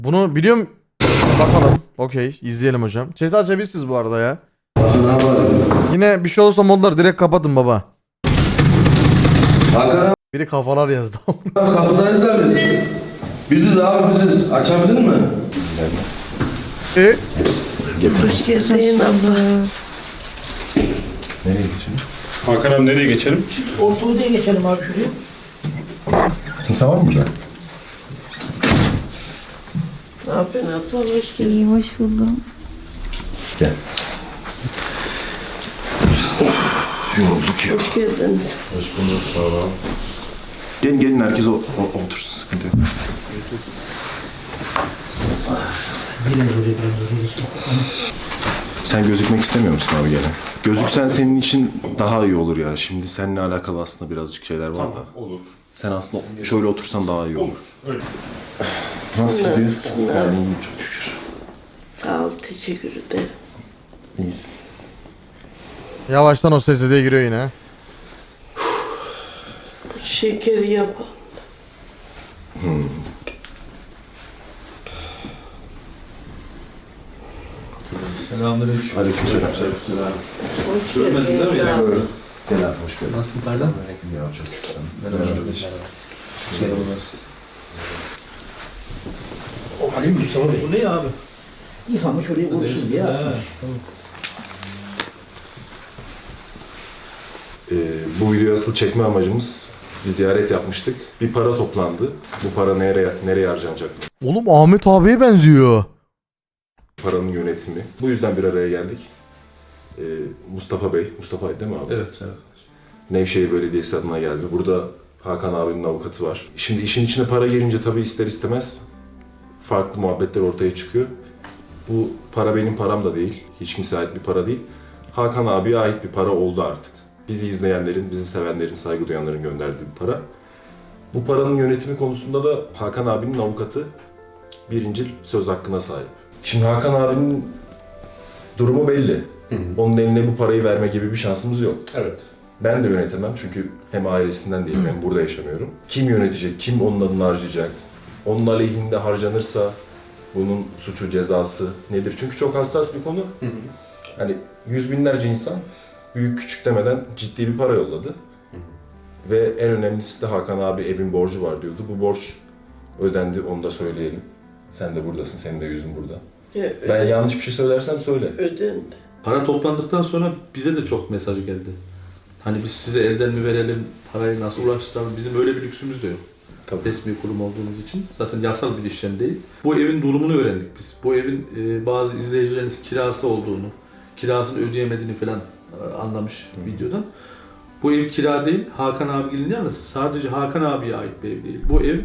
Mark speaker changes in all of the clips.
Speaker 1: Bunu biliyorum. Bakalım. Okey. İzleyelim hocam. Chat açabilirsiniz bu arada ya. Yine bir şey olursa modları direkt kapatın baba.
Speaker 2: Hakan abi
Speaker 1: Biri kafalar yazdı.
Speaker 2: kapıdayız da biz. Biziz abi biziz. Açabilir mi?
Speaker 3: Hoş geldin abla.
Speaker 2: Nereye geçelim?
Speaker 4: Hakan abi nereye geçelim?
Speaker 5: Orta odaya geçelim abi şuraya.
Speaker 2: Kimse var mı burada?
Speaker 3: Ne yapıyorsun abla? Hoş geldin.
Speaker 6: İyiyim, hoş buldum.
Speaker 2: Gel. Yorulduk ya.
Speaker 3: Hoş geldiniz.
Speaker 2: Hoş bulduk. Sağ ol. Gelin herkes otursun, sıkıntı yok.
Speaker 5: Biraz oraya geçelim.
Speaker 2: Sen gözükmek istemiyor musun abi gene? Gözüksen senin için daha iyi olur ya. Şimdi seninle alakalı aslında birazcık şeyler var da.
Speaker 4: Olur.
Speaker 2: Sen aslında şöyle otursan daha iyi olur.
Speaker 4: Olur. Öyle.
Speaker 2: Nasıl gidiyor?
Speaker 3: Nasılsın?
Speaker 2: Yani iyiyim çok şükür.
Speaker 3: Sağ ol, teşekkür ederim.
Speaker 2: İyisin.
Speaker 1: Yavaştan o sesi de giriyor yine.
Speaker 3: Şekeri yapalım.
Speaker 7: Selamünaleyküm.
Speaker 2: Aleykümselam.
Speaker 3: Hoş
Speaker 7: Görmedin değil mi
Speaker 3: geldin.
Speaker 7: ya?
Speaker 3: abla.
Speaker 2: Gel abi hoş geldin.
Speaker 7: Nasılsın Serdar?
Speaker 2: Ya çok şükür.
Speaker 7: Merhaba kardeşim. Merhabalar.
Speaker 5: Halim Mustafa Bey.
Speaker 7: Bu ne abi?
Speaker 5: Yıkamış oraya koysun ya.
Speaker 7: Tamam.
Speaker 2: Bu videoyu asıl çekme amacımız bir ziyaret yapmıştık. Bir para toplandı. Bu para nereye harcanacak?
Speaker 1: Oğlum Ahmet abiye benziyor.
Speaker 2: Paranın yönetimi. Bu yüzden bir araya geldik. Mustafa Bey, Mustafa değil mi abi?
Speaker 7: Evet, evet.
Speaker 2: Nevşehir Belediyesi adına geldi. Burada Hakan abinin avukatı var. Şimdi işin içine para girince tabii ister istemez farklı muhabbetler ortaya çıkıyor. Bu para benim param da değil. Hiç kimseye ait bir para değil. Hakan abiye ait bir para oldu artık. Bizi izleyenlerin, bizi sevenlerin, saygı duyanların gönderdiği bir para. Bu paranın yönetimi konusunda da Hakan abinin avukatı birincil söz hakkına sahip. Şimdi Hakan abinin durumu belli. Onun eline bu parayı verme gibi bir şansımız yok.
Speaker 4: Evet.
Speaker 2: Ben de yönetemem çünkü hem ailesinden değilim hem burada yaşamıyorum. Kim yönetecek, kim onun adını harcayacak, onun aleyhinde harcanırsa bunun suçu, cezası nedir? Çünkü çok hassas bir konu. Hani yüz binlerce insan büyük küçük demeden ciddi bir para yolladı. Ve en önemlisi de Hakan abi evin borcu var diyordu. Bu borç ödendi, onu da söyleyelim. Sen de buradasın, senin de yüzün burada.
Speaker 3: Ya,
Speaker 2: Ben yanlış bir şey söylersem söyle.
Speaker 3: ödendi.
Speaker 7: Para toplandıktan sonra bize de çok mesaj geldi. Hani biz size elden mi verelim, parayı nasıl ulaştıralım, bizim öyle bir lüksümüz de yok.
Speaker 2: Tabii.
Speaker 7: Resmi kurum olduğumuz için. Zaten yasal bir işlem değil. Bu evin durumunu öğrendik biz. Bu evin bazı izleyicileriniz kirası olduğunu, kirasını ödeyemediğini falan anlamış videodan. Bu ev kira değil, Hakan abinin yalnız sadece Hakan abiye ait bir ev değil. Bu ev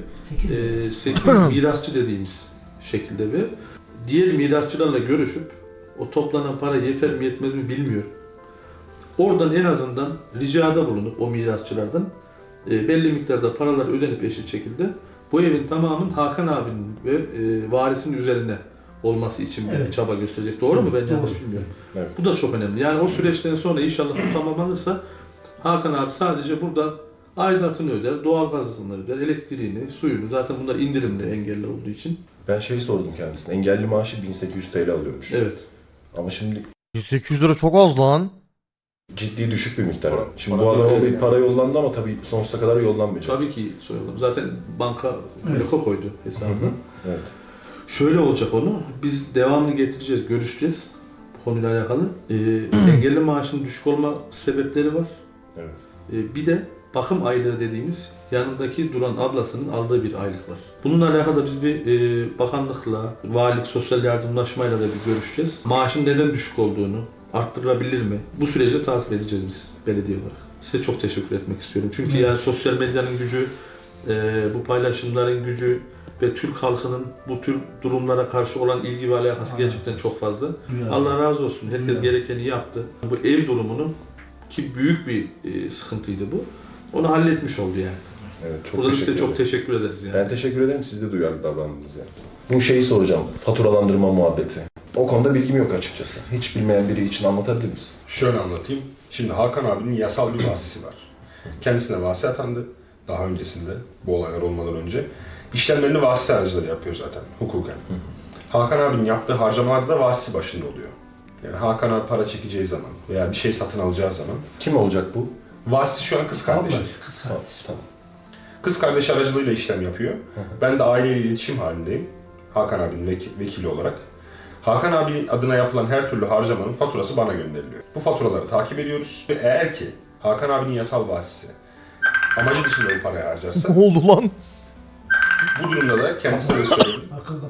Speaker 7: 8 mirasçı dediğimiz şekilde bir ev. Diğer mirasçılarla görüşüp o toplanan para yeter mi yetmez mi bilmiyorum. Oradan en azından ricada bulunup o mirasçılardan belli miktarda paralar ödenip eşit şekilde bu evin tamamının Hakan abinin ve varisinin üzerine olması için bir çaba gösterecek. Doğru mu? Ben yanlış bilmiyorum.
Speaker 2: Evet.
Speaker 7: Bu da çok önemli. Yani o süreçten sonra inşallah bu tamamlanırsa Hakan abi sadece burada aidatını öder, doğalgazını öder, elektriğini, suyunu. Zaten bunlar indirimli engelli olduğu için.
Speaker 2: Ben sordum kendisine. Engelli maaşı 1800 TL alıyormuş.
Speaker 7: Evet.
Speaker 2: Ama şimdi
Speaker 1: 800 lira çok az lan.
Speaker 2: ciddi düşük bir miktar. Şimdi
Speaker 7: para
Speaker 2: bu adama
Speaker 7: çok
Speaker 2: bir
Speaker 7: yani.
Speaker 2: para yollandı ama tabii sonsuza kadar yollanmayacak.
Speaker 7: Tabii ki soyalım. Zaten banka bloka koydu hesabına.
Speaker 2: Evet.
Speaker 7: Şöyle olacak onu, biz devamını getireceğiz, görüşeceğiz bu konuyla alakalı. Engelli maaşının düşük olma sebepleri var.
Speaker 2: Evet.
Speaker 7: Bir de bakım aylığı dediğimiz yanındaki duran ablasının aldığı bir aylık var. Bununla alakalı biz bir bakanlıkla, valilik, sosyal yardımlaşmayla da bir görüşeceğiz. Maaşın neden düşük olduğunu, arttırılabilir mi? Bu süreci takip edeceğiz biz belediye olarak. Size çok teşekkür etmek istiyorum. Çünkü yani sosyal medyanın gücü, bu paylaşımların gücü ve Türk halkının bu tür durumlara karşı olan ilgi ve alakası gerçekten çok fazla. Allah razı olsun. Herkes gerekeni yaptı. Bu ev durumunu ki büyük bir sıkıntıydı bu. Onu halletmiş oldu yani.
Speaker 2: Evet, çok
Speaker 7: Burada
Speaker 2: teşekkür
Speaker 7: size çok
Speaker 2: ederim.
Speaker 7: teşekkür ederiz yani.
Speaker 2: Ben teşekkür ederim. Siz de duyarlı davrandınız yani. Bu şeyi soracağım. Faturalandırma muhabbeti. O konuda bilgim yok açıkçası. Hiç bilmeyen biri için anlatabilir misin?
Speaker 4: Şöyle anlatayım. Şimdi Hakan abinin yasal bir vasisi var. Kendisine vasi atandı. Daha öncesinde, bu olaylar olmadan önce. işlemlerini vasıta aracıları yapıyor zaten hukuken. Hakan abinin yaptığı harcamalarda da vasisi başında oluyor. Yani Hakan abi para çekeceği zaman veya bir şey satın alacağı zaman
Speaker 2: Kim olacak bu?
Speaker 4: vasisi şu an kız kardeşi.
Speaker 5: Kız kardeşi.
Speaker 2: Tamam.
Speaker 4: Kız kardeşi aracılığıyla işlem yapıyor. Ben de aileyle iletişim halindeyim. Hakan abinin vekili olarak. Hakan abinin adına yapılan her türlü harcamanın faturası bana gönderiliyor. Bu faturaları takip ediyoruz ve eğer ki Hakan abinin yasal vasisi amacı dışında bu parayı harcarsa
Speaker 1: Ne oldu lan?
Speaker 4: bu durumda da kendisine de söyledim.
Speaker 5: Akıllı.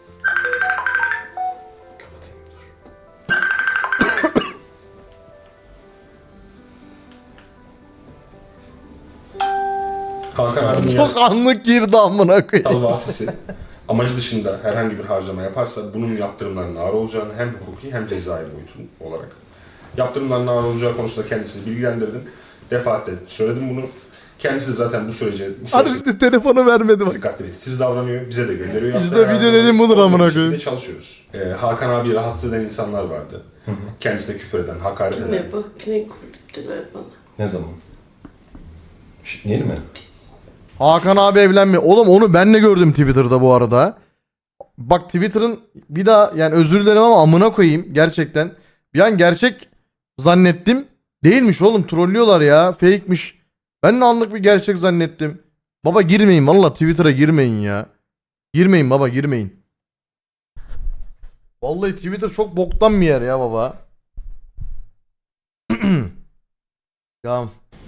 Speaker 4: Hakan abinin
Speaker 1: Çok anlık girdi amına koyayım.
Speaker 4: yasal vasisi amacı dışında herhangi bir harcama yaparsa bunun yaptırımlarının ağır olacağını hem hukuki hem cezai boyutu olarak yaptırımların ağır olacağı konusunda kendisini bilgilendirdim. Defaatle söyledim bunu. Kendisi de zaten bu süreçte
Speaker 1: Harbi telefonu vermedi bak.
Speaker 4: dikkatli ve titiz davranıyor. Bize de gönderiyor.
Speaker 1: İşte
Speaker 4: Yaptığı
Speaker 1: video
Speaker 4: her
Speaker 1: dediğim budur
Speaker 4: zaman
Speaker 1: amına
Speaker 4: bir şekilde
Speaker 1: koyayım.
Speaker 4: çalışıyoruz. Hakan abi rahatsız eden insanlar vardı. Kendisine küfür eden, hakaret eden.
Speaker 3: Yine bak yine kuruttular bana.
Speaker 2: Ne zaman? Yeni mi?
Speaker 1: Hakan abi evlenmiyor. Oğlum onu ben de gördüm Twitter'da bu arada. Bak Twitter'ın bir daha yani özür dilerim ama amına koyayım gerçekten. Bir an gerçek zannettim. Değilmiş oğlum, trollüyorlar ya. Fake'miş. Ben de anlık bir gerçek zannettim. Baba girmeyin valla, Twitter'a girmeyin ya. Girmeyin baba, girmeyin. Vallahi Twitter çok boktan bir yer ya baba. Tamam.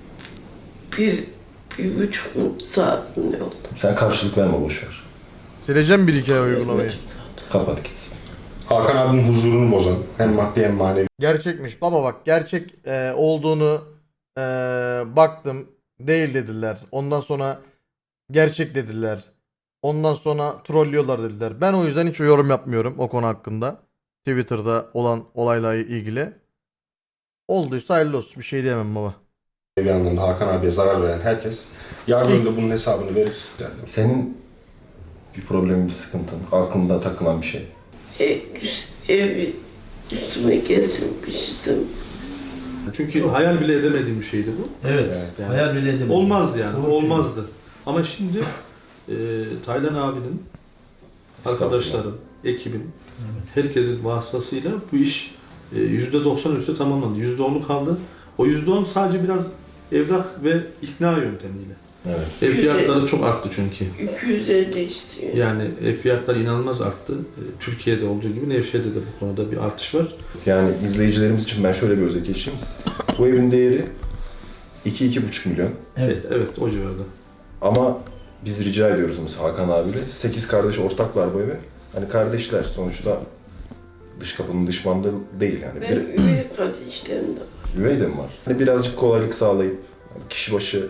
Speaker 3: Bir buçuk saat mi oldu?
Speaker 2: Sen karşılık verme, boşver.
Speaker 1: Sileceğim bir iki ay uygulamayı.
Speaker 2: Kapat gitsin.
Speaker 4: Hakan abinin huzurunu bozan hem maddi hem manevi
Speaker 1: Gerçekmiş baba, bak gerçek olduğunu baktım, değil dediler. Ondan sonra gerçek dediler. Ondan sonra trollüyorlar dediler. Ben o yüzden hiç yorum yapmıyorum o konu hakkında. Twitter'da olan olayla ilgili. Olduysa hayırlı olsun, bir şey diyemem baba.
Speaker 4: anlamda Hakan abiye zarar veren herkes yarın önünde bunun hesabını verir. Yani
Speaker 2: Senin bir problemin, bir sıkıntın, aklında takılan bir şey.
Speaker 3: Ev üstüme kesilmiştim.
Speaker 7: Çünkü hayal bile edemediğim bir şeydi bu.
Speaker 5: Evet.
Speaker 7: Yani
Speaker 5: Hayal bile edemedim.
Speaker 7: Olmazdı yani,
Speaker 5: Doğru
Speaker 7: olmazdı. Ama şimdi Taylan abinin, arkadaşların, ekibin, herkesin vasıtasıyla bu iş %90 üstü tamamlandı. %10'u kaldı. O %10 sadece biraz evrak ve ikna yöntemiyle.
Speaker 2: Evet.
Speaker 7: Ev fiyatları çok arttı çünkü.
Speaker 3: 250 istiyor.
Speaker 7: Yani ev fiyatları inanılmaz arttı. Türkiye'de olduğu gibi Nevşehir'de de bu konuda bir artış var.
Speaker 2: Yani izleyicilerimiz için ben şöyle bir özet geçeyim. Bu evin değeri 2-2,5 milyon.
Speaker 5: Evet.
Speaker 7: Evet, o civarda.
Speaker 2: Ama biz rica ediyoruz mesela Hakan abiyle. 8 kardeş ortaklar bu eve. Hani kardeşler sonuçta, dış kapının dış bandı değil yani.
Speaker 3: Benim üvey kardeşlerim de var.
Speaker 2: Üvey de mi var? Hani birazcık kolaylık sağlayıp hani kişi başı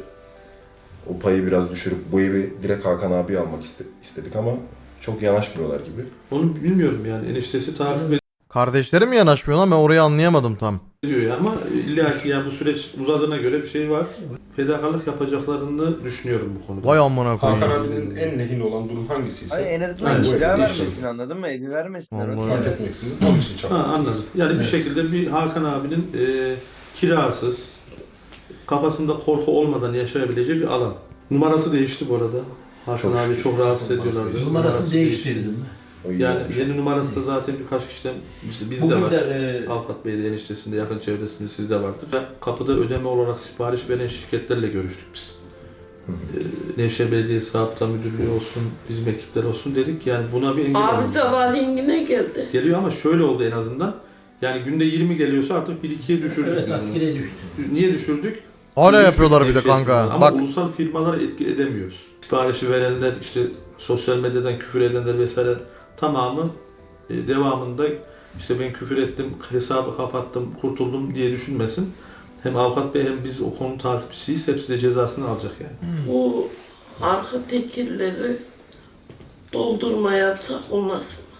Speaker 2: o payı biraz düşürüp bu evi direkt Hakan abiye almak istedik ama çok yanaşmıyorlar gibi.
Speaker 7: Onu bilmiyorum yani, eniştesi takip
Speaker 1: Kardeşlerim mi yanaşmıyor lan, ben orayı anlayamadım tam.
Speaker 7: ediyor ya, ama illa ki yani bu süreç uzadığına göre bir şey var. Fedakarlık yapacaklarını düşünüyorum bu konuda.
Speaker 1: Vay amına
Speaker 4: Hakan
Speaker 1: koyayım.
Speaker 4: abinin en lehine olan durum hangisiyse
Speaker 6: Hayır, en azından
Speaker 7: Evet.
Speaker 6: kira
Speaker 4: Bu
Speaker 6: vermesin, anladın mı? Evi vermesinler.
Speaker 1: Vallahi.
Speaker 4: fark etmeksizin onun için
Speaker 7: Ha,
Speaker 4: çabalıyoruz.
Speaker 7: anladım. Yani bir şekilde bir Hakan abinin kirasız, kafasında korku olmadan yaşayabileceği bir alan. Numarası değişti bu arada. Hakan
Speaker 2: Çok
Speaker 7: abi
Speaker 2: şükür.
Speaker 7: çok rahatsız
Speaker 4: Numarası
Speaker 7: ediyorlardı.
Speaker 4: değişti.
Speaker 5: Numarasını değiştirdim.
Speaker 2: O iyi
Speaker 7: Yani
Speaker 2: olmuş.
Speaker 7: yeni numarası da zaten birkaç kişiden, işte bizde
Speaker 5: Bugün
Speaker 7: var.
Speaker 5: de
Speaker 7: Avukat Bey'de, eniştesinde, yakın çevresinde sizde vardır. Ve kapıda ödeme olarak sipariş veren şirketlerle görüştük biz. Nevşehir Belediyesi Zabıta Müdürlüğü olsun, bizim ekipler olsun dedik. Yani buna bir engel
Speaker 3: Abi
Speaker 7: olmamız lazım.
Speaker 3: sabahleyin yine geldi.
Speaker 7: Geliyor ama şöyle oldu en azından. Yani günde 20 geliyorsa artık 1-2'ye düşürdük.
Speaker 5: evet, askere düştü.
Speaker 7: Niye düşürdük?
Speaker 1: Hala
Speaker 7: Düşük
Speaker 1: yapıyorlar bir de
Speaker 7: Nevşehir
Speaker 1: kanka.
Speaker 7: firmaları. Ama
Speaker 1: Bak
Speaker 7: ulusal firmaları etki edemiyoruz. Siparişi verenler, işte sosyal medyadan küfür edenler vesaire tamamı devamında işte ben küfür ettim, hesabı kapattım, kurtuldum diye düşünmesin. Hem avukat bey hem biz o konu takipçisiyiz. Hepsi de cezasını alacak yani.
Speaker 3: Bu arka tekirleri doldurma yapsak olmaz mı?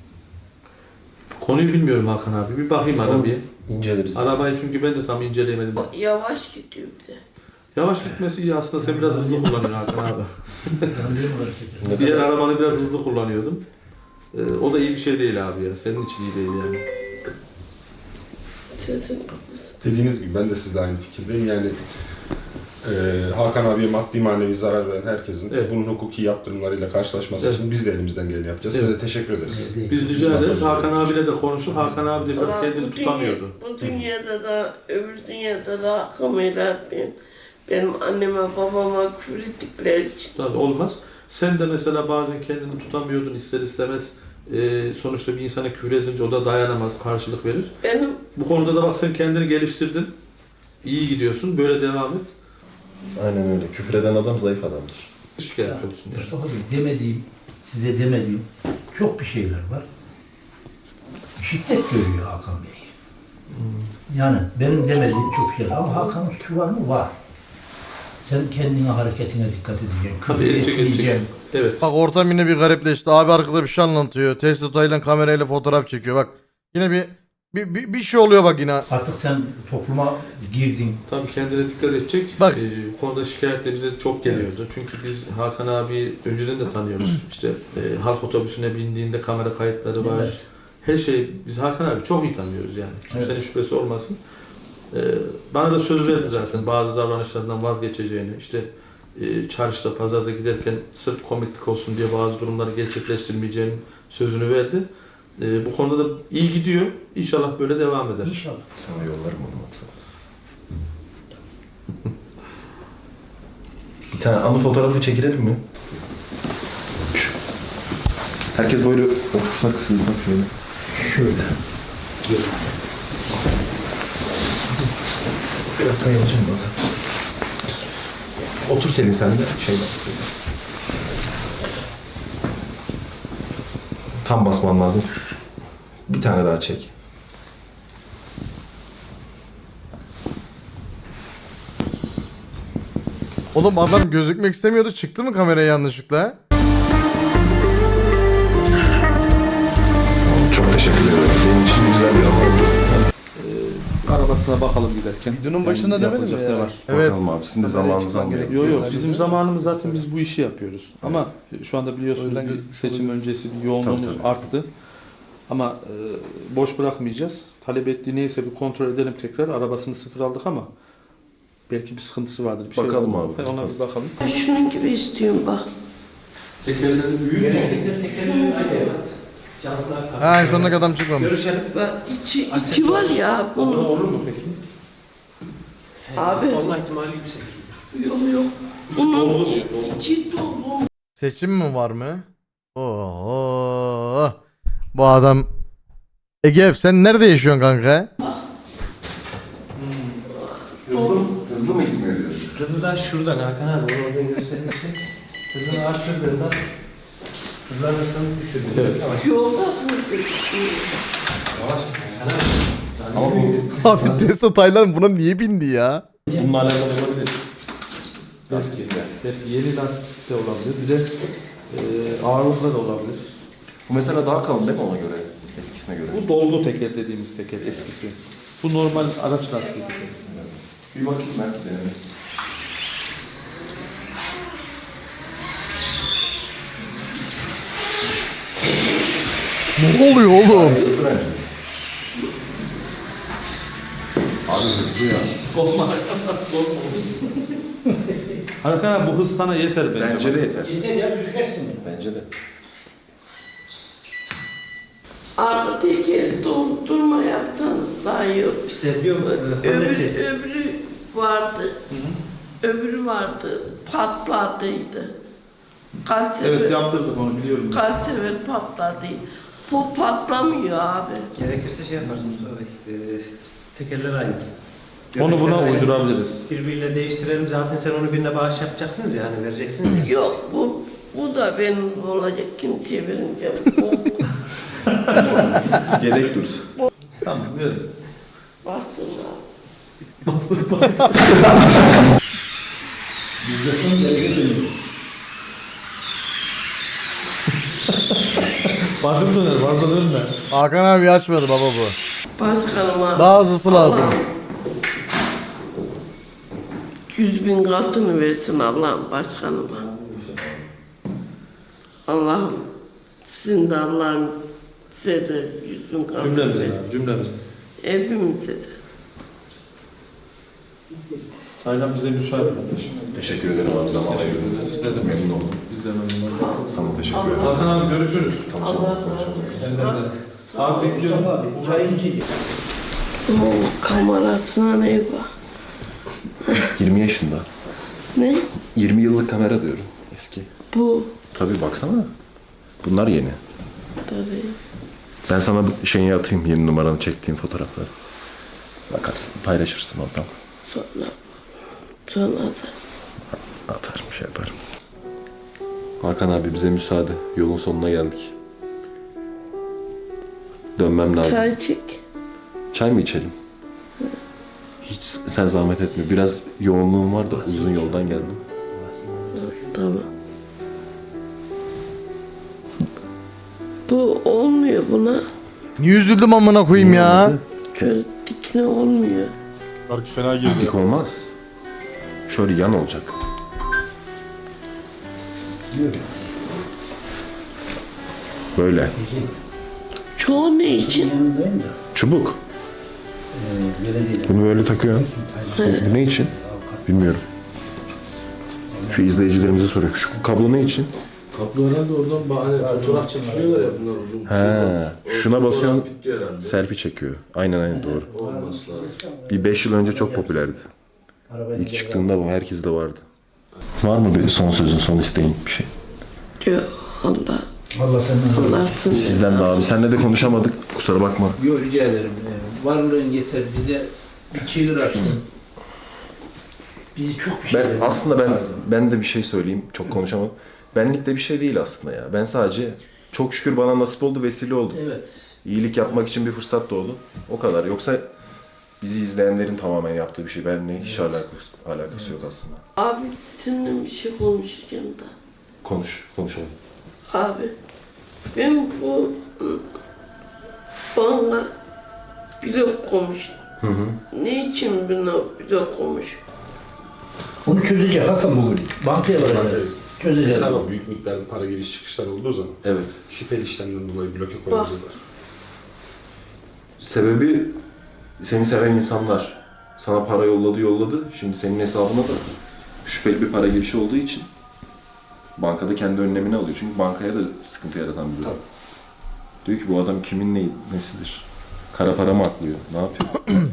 Speaker 7: Konuyu bilmiyorum Hakan abi. Bir bakayım arabaya.
Speaker 2: İnceleriz.
Speaker 7: Arabayı çünkü ben de tam inceleyemedim.
Speaker 3: Yavaş gidiyor bir de.
Speaker 7: Yavaş gitmesi iyi aslında, sen biraz hızlı kullanıyorsun Hakan abi.
Speaker 5: Anlıyorum orası.
Speaker 2: Ne
Speaker 7: Diğer
Speaker 2: kadar-
Speaker 7: arabanı biraz hızlı kullanıyordum. O da iyi bir şey değil abi ya. Senin için iyi değil yani.
Speaker 3: Sesin kapısı.
Speaker 4: Dediğiniz gibi ben de sizle aynı fikirdeyim. Yani Hakan abiye maddi manevi zarar veren herkesin
Speaker 7: Evet.
Speaker 4: bunun hukuki yaptırımlarıyla karşılaşması
Speaker 7: Evet.
Speaker 4: için biz de elimizden geleni yapacağız.
Speaker 7: Evet.
Speaker 4: Size de teşekkür ederiz.
Speaker 7: Biz rica ederiz. Hakan abiyle de konuştuk. Hakan abi de biraz
Speaker 3: Ulan
Speaker 7: kendini
Speaker 3: bu
Speaker 7: tutamıyordu.
Speaker 3: Bu dünyada da öbür dünyada da hakkımı helal etmeyin. Benim anneme babama küfür ettikleri için.
Speaker 7: Tabii olmaz. Sen de mesela bazen kendini tutamıyordun ister istemez. Sonuçta bir insana küfür edince o da dayanamaz, karşılık verir.
Speaker 3: Benim
Speaker 7: Bu konuda da bak sen kendini geliştirdin. İyi gidiyorsun. Böyle devam et.
Speaker 2: Aynen öyle. Küfür eden adam zayıf adamdır.
Speaker 7: Şikayetçi olsun. Yani.
Speaker 5: Mustafa Bey demediğim, size demediğim çok bir şeyler var. Şiddet görüyor Hakan Bey. Yani benim demediğim çok şeyler ama Hakan'ın suçu var mı? Var. Sen kendine, hareketine dikkat edeceksin.
Speaker 7: Tabii
Speaker 5: Küfür
Speaker 7: edecek.
Speaker 5: etmeyeceksin.
Speaker 7: Evet.
Speaker 1: Bak ortam yine bir garipleşti. Abi arkada bir şey anlatıyor. Test tutayla kamerayla fotoğraf çekiyor. Bak yine bir şey oluyor bak yine.
Speaker 5: Artık sen topluma girdin.
Speaker 7: Tabii kendine dikkat edecek.
Speaker 1: Bak.
Speaker 7: Bu konuda şikayetler bize çok geliyordu. Çünkü biz Hakan abi önceden de tanıyoruz. İşte halk otobüsüne bindiğinde kamera kayıtları var.
Speaker 5: Evet.
Speaker 7: Her şey, biz Hakan abi çok iyi tanıyoruz yani. Kimsenin
Speaker 5: Evet.
Speaker 7: şüphesi olmasın. Bana da söz verdi zaten bazı davranışlardan vazgeçeceğini. İşte çarşıda, pazarda giderken sırf komiklik olsun diye bazı durumları gerçekleştirmeyeceğini sözünü verdi. Bu konuda da iyi gidiyor. İnşallah böyle devam eder.
Speaker 5: İnşallah.
Speaker 2: Sana yollarım onu WhatsApp. Bir tane anı fotoğrafı çekilelim mi? Şu. Herkes böyle otursak sığsak şöyle.
Speaker 5: Şöyle.
Speaker 2: Biraz kayalacağım bak. Otur Selin sen de şeyden. Tam basman lazım. Bir tane daha çek.
Speaker 1: Oğlum adam gözükmek istemiyordu. Çıktı mı kameraya yanlışlıkla?
Speaker 2: Çok teşekkür ederim. Benim için güzel bir an oldu.
Speaker 7: Arabasına bakalım giderken.
Speaker 1: Videonun başında demedim mi
Speaker 7: yapacak ne
Speaker 1: yani?
Speaker 7: var?
Speaker 1: Evet.
Speaker 2: Bakalım abi sizin de zamanınızı almayalım.
Speaker 7: Yok yok bizim zamanımız zaten biz bu işi yapıyoruz. Ama şu anda
Speaker 1: O
Speaker 7: biliyorsunuz
Speaker 1: yüzden
Speaker 7: bir
Speaker 1: gözükmüş
Speaker 7: seçim
Speaker 1: olabilir.
Speaker 7: öncesi bir yoğunluğumuz
Speaker 2: Tabii, tabii.
Speaker 7: arttı. Ama boş bırakmayacağız. Talep ettiği neyse bir kontrol edelim tekrar. Arabasını sıfır aldık ama belki bir sıkıntısı vardır. Bir
Speaker 2: Bakalım
Speaker 7: şey
Speaker 2: abi.
Speaker 7: Ona bir bakalım.
Speaker 3: Ben şunun gibi istiyorum bak.
Speaker 7: Tekerleri büyük mü?
Speaker 1: Ha en sondaki adam çıkmamış.
Speaker 3: Bak içi var ya bunun.
Speaker 7: Olur mu peki?
Speaker 3: Abi.
Speaker 8: Olma ihtimali yüksek.
Speaker 3: Yok. Bunun içi dolu.
Speaker 1: Seçim mi var mı? Oo. Bu adam Egev sen nerede yaşıyorsun kanka?
Speaker 2: Hızlı mı gitmiyor diyorsun?
Speaker 8: Hızı da şuradan Hakan abi onu oradan göstermişsin. Hızını arttırdığında hızlanırsan düşürdün.
Speaker 7: Evet.
Speaker 8: Yavaş.
Speaker 3: Yolda hızlı.
Speaker 8: Yavaş. Hakan abi.
Speaker 2: Ama bu
Speaker 1: Abi Tesla Taylan buna niye bindi ya?
Speaker 2: bununla alakalı olabilir.
Speaker 7: Belki yeni lastik de olabilir. Bir de ağırlıkla da olabilir.
Speaker 2: Bu mesela daha kalın değil mi ona göre? Eskisine göre.
Speaker 7: Bu dolgu teker dediğimiz teker eskisi. Bu normal araç lastiği.
Speaker 2: Bir bakayım ben denemek.
Speaker 1: Ne oluyor oğlum?
Speaker 2: Hızlı bence. Abi hızlı ya.
Speaker 7: Korkma. Hakan abi bu hız sana yeter bence.
Speaker 2: Bence de yeter.
Speaker 5: Yeter ya düşersin.
Speaker 2: Bence de.
Speaker 3: Arka tekeri doldurma yapsanız daha iyi olur.
Speaker 8: İşte diyorum halledeceğiz.
Speaker 3: Öbürü vardı. Öbürü vardı. Patladıydı. Kaç sefer,
Speaker 7: Evet yaptırdık onu biliyorum.
Speaker 3: kaç sefer patladı. Bu patlamıyor abi.
Speaker 8: Gerekirse şey yaparız Mustafa Bey. Tekerler aynı.
Speaker 7: Onu buna
Speaker 8: Göbekler aynı.
Speaker 7: uydurabiliriz.
Speaker 8: Birbiriyle değiştirelim. Zaten sen onu birine bağış yapacaksınız ya hani vereceksiniz ya.
Speaker 3: Yok bu da benim olacak, kimseye vermeyeceğim.
Speaker 2: Yedek dursun.
Speaker 7: Tamam ver.
Speaker 3: Bastın abi.
Speaker 7: Başım döner fazla dönme.
Speaker 1: Hakan abi açmadı baba bu.
Speaker 3: Başkanıma
Speaker 1: Daha hızlısı lazım.
Speaker 3: Allah 100.000 katını versin Allah'ım başkanıma. Allah'ım sizin de Allah'ım size de 100.000 katını
Speaker 7: Cümlemiz
Speaker 3: versin.
Speaker 7: lazım, cümlemiz.
Speaker 3: Hepimize de.
Speaker 7: Aynen bize müsaade kardeşim.
Speaker 2: Teşekkür ederim abi zaman ayırdınız.
Speaker 7: Ne demek?
Speaker 2: Memnun oldum.
Speaker 7: Biz de memnun olduk.
Speaker 2: Sana teşekkür ederim.
Speaker 7: Hakan abi görüşürüz.
Speaker 2: Tamam,
Speaker 3: Allah
Speaker 2: sonra
Speaker 3: razı
Speaker 2: konuşalım.
Speaker 3: olsun.
Speaker 7: Abi bekliyorum.
Speaker 5: Abi çayın içi.
Speaker 3: O kamerasına ne bak?
Speaker 2: 20 yaşında.
Speaker 3: Ne?
Speaker 2: 20 yıllık kamera diyorum. Eski.
Speaker 3: Bu.
Speaker 2: Tabii baksana. Bunlar yeni.
Speaker 3: Tabii.
Speaker 2: Ben sana bu şeyi atayım, yeni numaranı çektiğim fotoğrafları. Bakarsın, paylaşırsın oradan.
Speaker 3: Sonra atarsın.
Speaker 2: Atarım, şey yaparım. Hakan abi bize müsaade. Yolun sonuna geldik. Dönmem lazım.
Speaker 3: Çay çek.
Speaker 2: Çay mı içelim? Hiç sen zahmet etme. Biraz yoğunluğum var da uzun yoldan geldim.
Speaker 3: Tamam. Bu olmuyor buna.
Speaker 1: Niye üzüldüm amına koyayım ya?
Speaker 3: Şöyle dikine olmuyor.
Speaker 2: Dik olmaz. Şöyle yan olacak. Böyle.
Speaker 3: Çoğu ne için?
Speaker 5: Yanındayım da.
Speaker 2: Çubuk.
Speaker 5: Belediyede.
Speaker 2: Bunu böyle takıyorsun. Bu ne için? Bilmiyorum. Şu izleyicilerimize soruyorum. Şu kablo ne için?
Speaker 7: Kaplı herhalde oradan fotoğraf çekiliyorlar ya bunlar uzun.
Speaker 2: He. Şuna basıyorsun.
Speaker 7: Bitiyor herhalde.
Speaker 2: Selfie çekiyor. Aynen doğru.
Speaker 7: Olması lazım.
Speaker 2: Bir 5 yıl önce çok popülerdi. İlk çıktığında bu herkeste vardı. Var mı bir son sözün, son isteğin bir şey?
Speaker 3: Diyor Allah.
Speaker 5: Allah senden
Speaker 3: Allah seni.
Speaker 2: Sizden de abi. Seninle de konuşamadık. Kusura bakma.
Speaker 5: Yok rica ederim. Varlığın yeter bize bir çığır açtın. Bizi çok bir şey
Speaker 2: Ben aslında ben de bir şey söyleyeyim. Çok konuşamadım. Benlik de bir şey değil aslında ya. Ben sadece çok şükür bana nasip oldu, vesile oldu.
Speaker 5: Evet.
Speaker 2: İyilik yapmak için bir fırsat doğdu. O kadar. Yoksa bizi izleyenlerin tamamen yaptığı bir şey. Benimle hiç alakası yok aslında.
Speaker 3: Abi seninle bir şey konuşacağım da.
Speaker 2: Konuşalım.
Speaker 3: Abi ben bu bana blok koymuş. Ne için bana blok koymuş?
Speaker 5: Onu çözecek Hakan bugün. Bankaya varacağız. Çözeceğiz.
Speaker 4: Hesaba büyük miktarda para giriş çıkışlar olduğu zaman
Speaker 2: Evet.
Speaker 4: şüpheli işlemden dolayı bloke koyabilirler.
Speaker 2: Sebebi seni seven insanlar sana para yolladı. Şimdi senin hesabına da şüpheli bir para girişi olduğu için bankada kendi önlemini alıyor. Çünkü bankaya da sıkıntı yaratan bir durum. Diyor ki bu adam kimin nesidir? Kara para mı aklıyor? Ne yapıyor?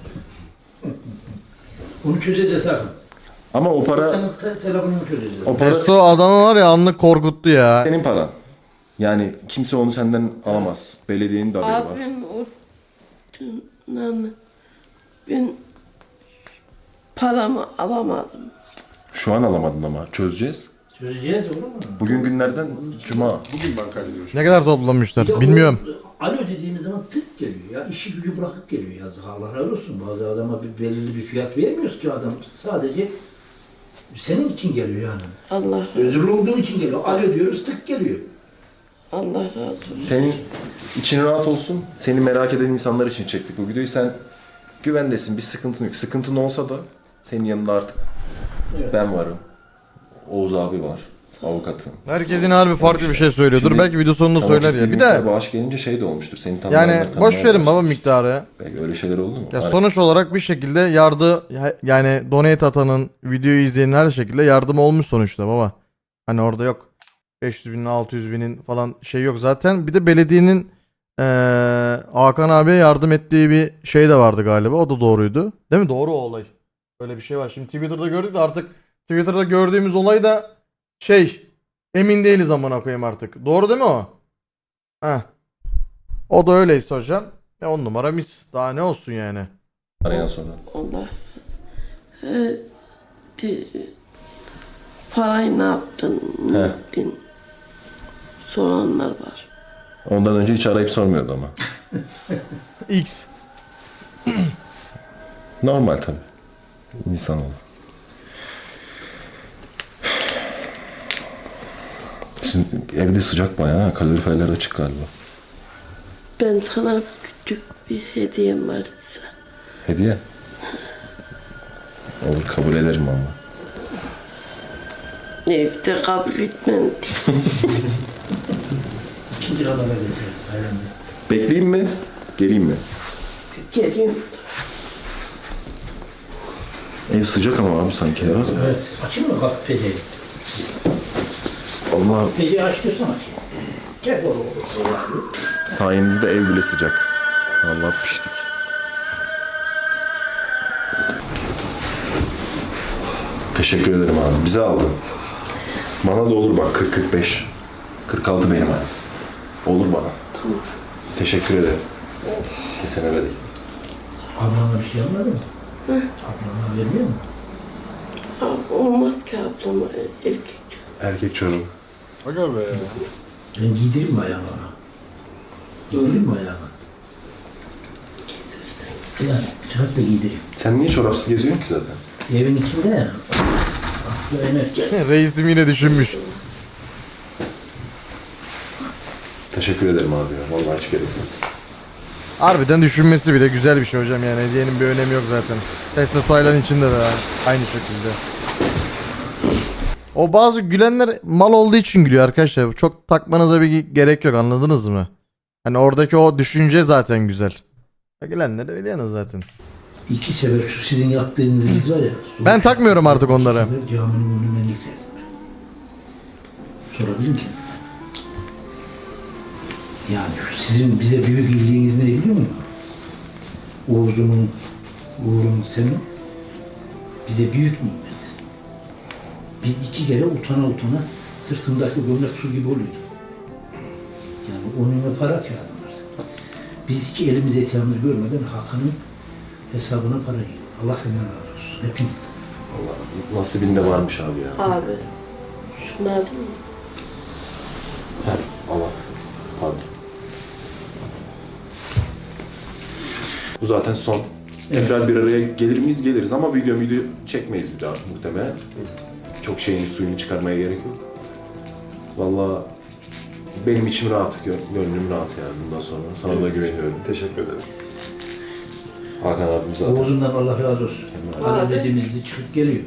Speaker 5: Onu çözeceğiz Hakan.
Speaker 2: Ama o para,
Speaker 5: Senin telefonunu çözeceğiz.
Speaker 2: o para
Speaker 1: Pesto adamı var ya anlık korkuttu ya.
Speaker 2: senin paran. Yani kimse onu senden alamaz. Belediyenin de haberi
Speaker 3: Abi
Speaker 2: var.
Speaker 3: ben paramı alamadım.
Speaker 2: Şu an alamadın ama çözeceğiz.
Speaker 5: Çözeceğiz olur mu?
Speaker 2: Bugün günlerden cuma.
Speaker 4: Bugün bankayla görüşürüz.
Speaker 1: Ne kadar toplamışlar bilmiyorum.
Speaker 5: Alo dediğimiz zaman tık geliyor ya. İşi gücü bırakıp geliyor yazık. Allah razı olsun. Bazı adama bir belirli bir fiyat vermiyoruz ki adam. Sadece senin için geliyor yani.
Speaker 3: Allah
Speaker 5: Özürlü olduğun için geliyor. Alo diyoruz tık geliyor.
Speaker 3: Allah razı olsun.
Speaker 2: Senin için rahat olsun. Seni merak eden insanlar için çektik bu videoyu. Sen güvendesin. Bir sıkıntın yok. Sıkıntın olsa da senin yanında artık
Speaker 5: Evet.
Speaker 2: ben varım. Oğuz abi var. Avukatım.
Speaker 1: Herkesin harbi farklı bir şey söylüyor. Dur
Speaker 2: Şimdi-
Speaker 1: belki video sonunda
Speaker 2: Ama
Speaker 1: söyler
Speaker 2: ciddi
Speaker 1: ya. Bir
Speaker 2: miktar
Speaker 1: de
Speaker 2: bağış gelince şey de olmuştur. Seni tanıyanlar
Speaker 1: yani
Speaker 2: tanımaya
Speaker 1: boş verin baba
Speaker 2: başlamış.
Speaker 1: miktarı.
Speaker 2: Belki öyle şeyler oldu mu?
Speaker 1: Ya
Speaker 2: Hani
Speaker 1: sonuç olarak bir şekilde yani donate atanın, videoyu izleyenin her şekilde yardım olmuş sonuçta baba. Hani orada yok 500 binin 600 binin falan şey yok zaten. Bir de belediyenin Hakan abiye yardım ettiği bir şey de vardı galiba. O da doğruydu. Değil mi? Doğru o olay. Öyle bir şey var. Şimdi Twitter'da gördük de artık Twitter'da gördüğümüz olay da emin değiliz amına koyayım artık. Doğru değil mi o? Heh. O da öyleyse hocam. 10 numara mis. Daha ne olsun yani.
Speaker 2: arayan sonra.
Speaker 3: Allah. Parayı ne yaptın? Ne
Speaker 2: He.
Speaker 3: ettin? Soranlar var.
Speaker 2: Ondan önce hiç arayıp sormuyordu ama.
Speaker 1: X.
Speaker 2: Normal tabii. İnsanoğlu. Sizin evde sıcak bayağı ha. Kaloriferler açık galiba.
Speaker 3: Ben sana küçük bir hediyem var size.
Speaker 2: Hediye. Olur kabul ederim ama.
Speaker 3: Evde kabul etmem.
Speaker 5: İkinci kadar vereceğiz. Aynen.
Speaker 2: Bekleyeyim mi? Geleyim mi?
Speaker 3: Geliyorum.
Speaker 2: Ev sıcak ama abi sanki ya.
Speaker 5: Evet. Açayım mı bak peceyi?
Speaker 2: Allah
Speaker 5: Peceyi aç diyorsan aç. Gel oğlum.
Speaker 2: sayenizde ev bile sıcak. Allah piştik. Teşekkür ederim abi. Bize aldın. Bana da olur bak 40-45. 46 benim abi. Olur bana.
Speaker 3: Tamam.
Speaker 2: Teşekkür ederim. Kesene vereyim.
Speaker 5: Ablana bir şey almadın mı? Ablana vermiyor mu?
Speaker 3: Abi olmaz ki ablama erkek.
Speaker 2: Erkek çorum.
Speaker 5: Ben giydireyim mi ayağını ona? Giydireyim mi ayağını? Yani çıkart da giydireyim.
Speaker 2: Sen niye çorapsız geziyorsun ki zaten?
Speaker 5: Evin içinde ya. Aklı enerji.
Speaker 1: Reisim yine düşünmüş.
Speaker 2: Teşekkür ederim abi ya. Vallahi hiç gerek yok.
Speaker 1: Harbiden düşünmesi bile güzel bir şey hocam yani. Hediyenin bir önemi yok zaten. Tesla Taylan içinde de aynı şekilde. O bazı gülenler mal olduğu için gülüyor arkadaşlar. Çok takmanıza bir gerek yok, anladınız mı? Hani oradaki o düşünce zaten güzel. Gülenler de biliyorsunuz zaten.
Speaker 5: 2 sefer şu sizin yaptığınız biz var ya.
Speaker 1: Ben takmıyorum artık onları.
Speaker 5: 2 sefer caminin önünden serdim. Sorabilir miyim? Yani şu sizin bize büyük iyiliğiniz ne biliyor musun? Uğur'un senin bize büyük nimet. Biz 2 kere utana sırtımdaki gömlek su gibi oluyor. Yani onunla para kağıdım var. Biz hiç elimiz eteğimiz görmeden Hakan'ın hesabına para yiyor. Allah senden razı olsun. Hepiniz.
Speaker 2: Allah nasibinde varmış abi ya.
Speaker 3: Abi. Şunu alayım mı?
Speaker 2: Heh, Allah. Pardon. Bu zaten son. Tekrar bir araya gelir miyiz? Geliriz ama video çekmeyiz bir daha muhtemelen. Çok şeyin suyunu çıkarmaya gerek yok. Vallahi benim içim rahat, gönlüm rahat yani bundan sonra. Sana da güveniyorum.
Speaker 4: Teşekkür ederim.
Speaker 2: Hakan abim zaten.
Speaker 5: Oğuz'undan Allah razı olsun.
Speaker 3: Abi.
Speaker 5: Para dediğimizde çıkıp geliyor.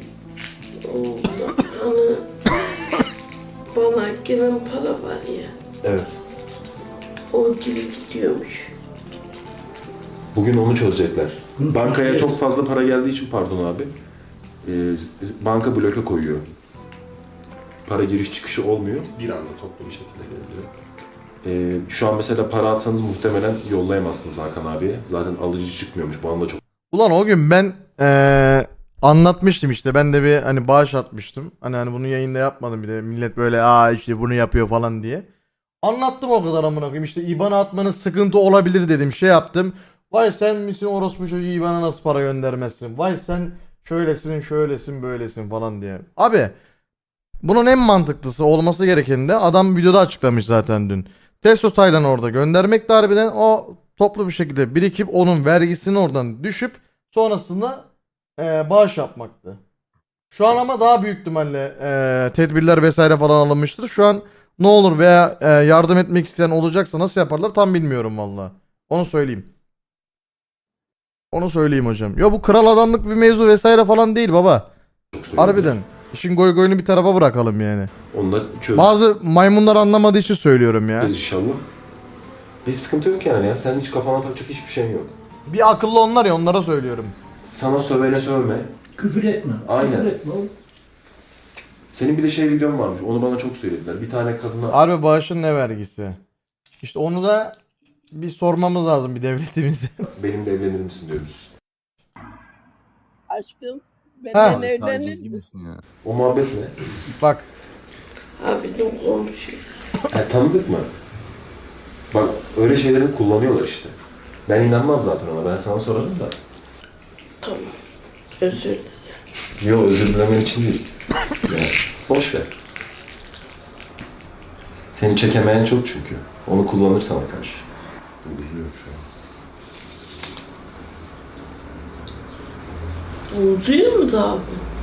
Speaker 3: Hani bana gelen para var ya.
Speaker 2: Evet.
Speaker 3: O geri gidiyormuş.
Speaker 2: Bugün onu çözecekler.
Speaker 5: Bunu
Speaker 2: Bankaya
Speaker 5: çözeceğiz.
Speaker 2: çok fazla para geldiği için pardon abi. Banka bloke koyuyor. Para giriş çıkışı olmuyor.
Speaker 4: Bir anda toplu bir şekilde geliyor.
Speaker 2: Şu an mesela para atsanız muhtemelen yollayamazsınız Hakan abiye. Zaten alıcı çıkmıyormuş. Bu anda çok
Speaker 1: Ulan o gün ben anlatmıştım işte. Ben de bir hani bağış atmıştım. Hani bunu yayında yapmadım bir de. Millet böyle işte bunu yapıyor falan diye. Anlattım o kadar amına koyayım. İşte IBAN'a atmanız sıkıntı olabilir dedim. Şey yaptım. Vay sen misin orospu çocuğu, IBAN'a nasıl para göndermezsin? Vay sen şöylesin böylesin falan diye. Abi bunun en mantıklısı olması gereken de adam videoda açıklamış zaten dün. Testo Taylan orada göndermek de harbiden o toplu bir şekilde birikip onun vergisini oradan düşüp sonrasında bağış yapmaktı. Şu an ama daha büyük ihtimalle tedbirler vesaire falan alınmıştır. Şu an ne olur veya yardım etmek isteyen olacaksa nasıl yaparlar tam bilmiyorum valla. Onu söyleyeyim. Onu söyleyeyim hocam. Ya bu kral adamlık bir mevzu vesaire falan değil baba.
Speaker 2: söylüyor.
Speaker 1: Harbiden. İşin goy goyunu bir tarafa bırakalım yani.
Speaker 2: Onunla çözeceğiz
Speaker 1: Bazı maymunlar anlamadığı için söylüyorum ya.
Speaker 2: inşallah. Bir sıkıntı yok yani ya. Senin hiç kafana takacak hiçbir şeyin yok.
Speaker 1: Bir akıllı onlar ya, onlara söylüyorum.
Speaker 2: Sana sövene sövme.
Speaker 5: Küfür etme.
Speaker 2: Aynen.
Speaker 5: Küfür etme oğlum.
Speaker 2: Senin bir de şey videon varmış. Onu bana çok söylediler. Bir tane kadına...
Speaker 1: Harbi bağışın ne vergisi? İşte onu da bir sormamız lazım bir devletimize.
Speaker 2: Benimle evlenir misin diyoruz.
Speaker 3: Aşkım
Speaker 1: Ha.
Speaker 3: benden evlenir misin?
Speaker 2: O muhabbet ne?
Speaker 1: Bak
Speaker 3: Abi bizim komşu.
Speaker 2: Tanıdık mı? Bak öyle şeyleri kullanıyorlar işte. Ben inanmam zaten ona. Ben sana sorarım da.
Speaker 3: Tamam. Özür dilerim.
Speaker 2: Yok özür dilemen için değil. Yani, boş ver. Seni çekemeyen çok çünkü. Onu kullanır sana karşı. Üzülüyorum şu an.
Speaker 3: Uzuyor mu da abi?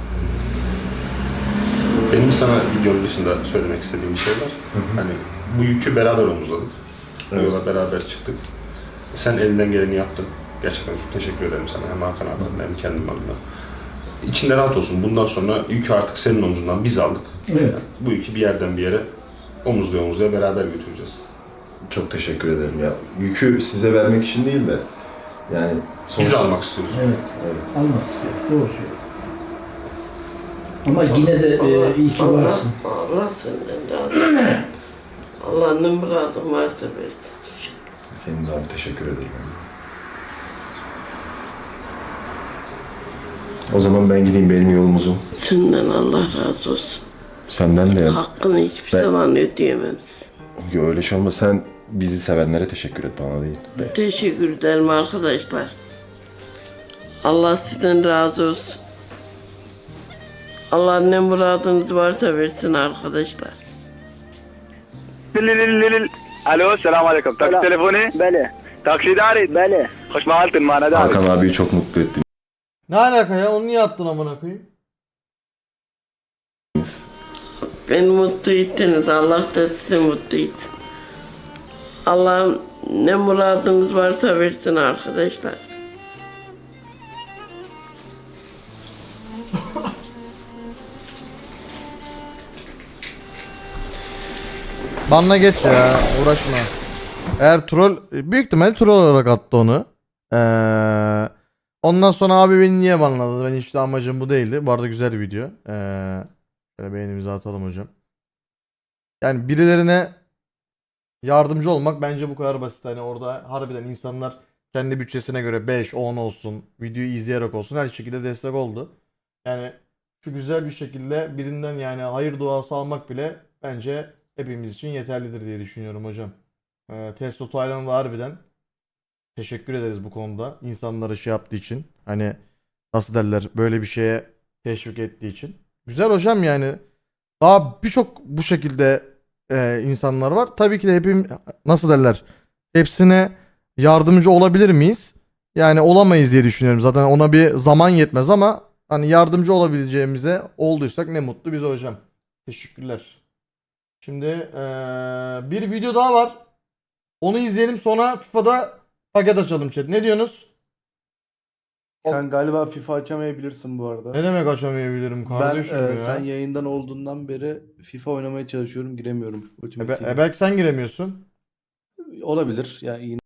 Speaker 4: Benim sana videonun dışında söylemek istediğim bir şey var. Hani bu yükü beraber omuzladık. Bu
Speaker 2: Evet.
Speaker 4: yola beraber çıktık. Sen elinden geleni yaptın. Gerçekten çok teşekkür ederim sana. Hem Hakan abi adına hem kendim adına. İçinde rahat olsun. Bundan sonra yükü artık senin omzundan biz aldık.
Speaker 5: Evet.
Speaker 4: Bu yükü bir yerden bir yere omuzluya beraber götüreceğiz.
Speaker 2: Çok teşekkür ederim ya. Yükü size vermek için değil de yani
Speaker 4: Biz almak istiyoruz.
Speaker 5: Evet.
Speaker 2: Evet.
Speaker 5: Almak istiyor. Doğru söylüyor. Ama yine de iyi ki varsın.
Speaker 3: Allah senden razı olsun. Allah ne muradın varsa versin.
Speaker 2: Senin de abi teşekkür ederim. O zaman ben gideyim, benim yolum uzun.
Speaker 3: Senden Allah razı olsun.
Speaker 2: Senden de ya.
Speaker 3: Hakkını hiçbir
Speaker 2: Ben-
Speaker 3: zaman ödeyememsin.
Speaker 2: Yo, öyle şey olmaz. Sen bizi sevenlere teşekkür et, bana değil.
Speaker 3: Teşekkür ederim arkadaşlar. Allah sizden razı olsun. Allah ne muradınız varsa versin arkadaşlar.
Speaker 9: الو السلام عليكم تاكسي تليفوني
Speaker 10: بله
Speaker 9: تاكسي داري
Speaker 10: بله
Speaker 9: خوش مالتن معنا داري
Speaker 2: Hakan abiyi çok mutlu ettiniz.
Speaker 1: Ne alaka ya? Onu niye attın amına koyayım?
Speaker 3: Beni mutlu ettiniz. Allah da sizi mutlu etsin. Allah ne muradınız varsa versin arkadaşlar.
Speaker 1: Banla geç ya. Uğraşma. Eğer troll büyük ihtimal troll olarak attı onu. Ondan sonra abi beni niye banladı? Ben işte amacım bu değildi. Bu arada güzel bir video. Şöyle beğenimizi atalım hocam. Yani birilerine yardımcı olmak bence bu kadar basit. Hani orada harbiden insanlar kendi bütçesine göre 5, 10 olsun, videoyu izleyerek olsun her şekilde destek oldu. Yani şu güzel bir şekilde birinden yani hayır duası almak bile bence hepimiz için yeterlidir diye düşünüyorum hocam. Testo Taylan da harbiden teşekkür ederiz bu konuda. İnsanlara şey yaptığı için. Hani nasıl derler böyle bir şeye teşvik ettiği için. Güzel hocam yani. Daha birçok bu şekilde insanlar var. Tabii ki de hepim nasıl derler hepsine yardımcı olabilir miyiz? Yani olamayız diye düşünüyorum. Zaten ona bir zaman yetmez ama hani yardımcı olabileceğimize olduysak ne mutlu bize hocam. Teşekkürler. Şimdi bir video daha var. Onu izleyelim sonra FIFA'da paket açalım chat. Ne diyorsunuz?
Speaker 11: Sen galiba FIFA açamayabilirsin bu arada.
Speaker 1: Ne demek açamayabilirim kardeşim ya?
Speaker 11: Sen yayından olduğundan beri FIFA oynamaya çalışıyorum, giremiyorum. Ultimate Team'e.
Speaker 1: Belki sen giremiyorsun.
Speaker 11: Olabilir. Yani